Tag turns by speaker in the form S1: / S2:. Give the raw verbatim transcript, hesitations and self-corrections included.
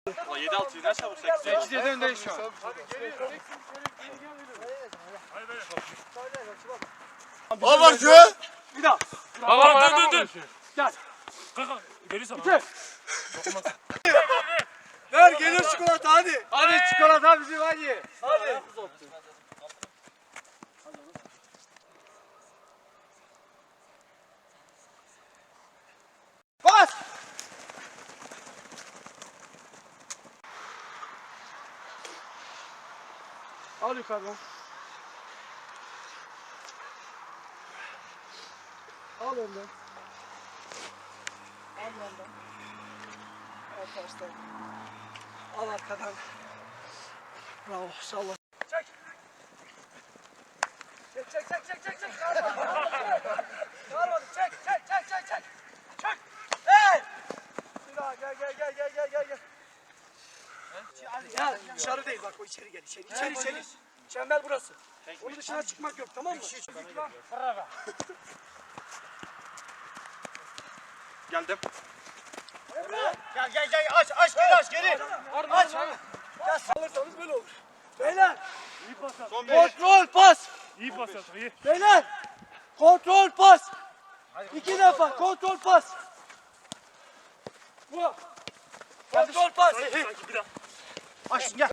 S1: yedi altı ne çabuk sekiz.
S2: sekiz yedi öndeyiz şu an.
S3: Al bak şu.
S2: Bir daha.
S4: Baba dur dur dur.
S2: Gel.
S4: Kanka geri sana.
S2: Bitir. Ver geliyor çikolata hadi. Hadi çikolata bizim hadi. Hadi. Bas. Al yukarıdan. Al önden. Al önden. Al tersten. Al arkadan. Bravo. Salla. Çek. Çek çek çek çek çek çek. Çağırmadım. Çek çek çek çek çek. Çek. Hey! Bir daha gel gel gel gel gel gel gel. Ya dışarı değil bak o içeri gel içeri içeri içeri. Çember burası. Onun dışına çıkmak yok tamam mı?
S1: Geldim.
S3: Gel gel gel aç aç geri aç geri.
S2: Aç. Ya salırsanız böyle olur. Beyler.
S1: Son bir.
S2: Kontrol pas.
S4: İyi pas yaptın iyi.
S2: Beyler. Kontrol pas. İki defa kontrol pas. Bu. Kontrol pas.
S4: Sanki bir daha.
S2: Aç gel.